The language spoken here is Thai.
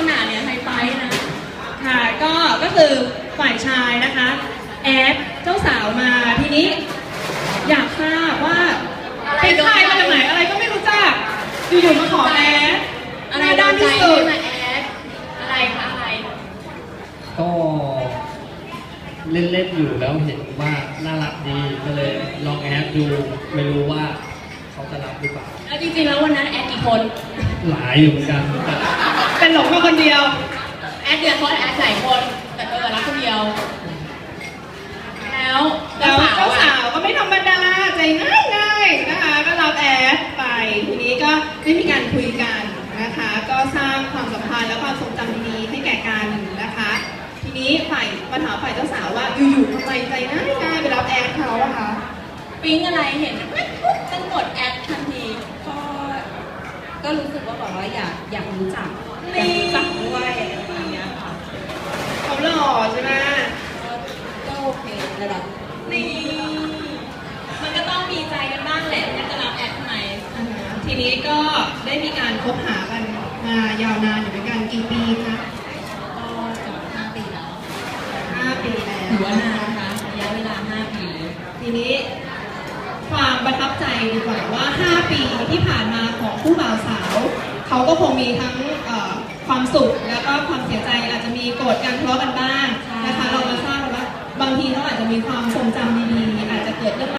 ณะเนี่ยไฮไฟนะค่ะก็คือฝ่ายชายนะคะแอดเจ้าสาวมาทีนี้อยากทราบว่าเป็นใครมาจากไหนอะไรก็ไม่รู้จักอยู่ๆมาขอแอดอะไรด้านที่ที่สุดมาแอดอะไรคะอะไรก็เล่นๆอยู่แล้วเห็นว่าน่ารักดีก็เลยลองแอดดูไม่รู้ว่าเขาจะรับหรือเปล่าแล้วจริงๆแล้ววันนั้นแอดกี่คนหลายอยู่เหมือนกันเป็นหลงมาคนเดียวแอดเดือนคนแอดหลายคนแต่รับคนเดียวแล้วเจ้าสาวก็ไม่ธรรมดาใจง่ายนะคะก็รับแอดไปทีนี้ก็ได้มีการคุยกันนะคะก็สร้างความสัมพันธ์และความทรงจำดีๆให้แก่กันนะคะทีนี้มาถามฝ่ายเจ้าสาวว่าอยู่ๆทำไมใจง่ายไปรับแอดเขาอะคะปิ๊งอะไรเห็นปุ๊บต้องกดแอดทันทีก็รู้สึกว่าแบบว่าอยากรู้จักด้วยอะไรประมาณนี้ค่ะเขาหล่อใช่ไหมก็โอเคระดับนี่มันก็ต้องมีใจกันบ้างแหละมันจะรับแอดทำไมทีนี้ก็ได้มีการคบหากันมายาวนานอยู่เหมือนกันกี่ปีคะก็จะ5 ปีแล้ว 5 ปีแล้วถือว่านานนะคะระยะเวลา5 ปีทีนี้ความประทับใจดีกว่าว่า5 ปีที่ผ่านมาของคู่บ่าวสาวเขาก็คงมีทั้งความสุขแล้วก็ความเสียใจอาจจะมีโกรธกันทะเลาะกันบ้างนะคะเรามาทราบว่าบางทีเขาอาจจะมีความทรงจำดีๆอาจจะเกิดเรื่อง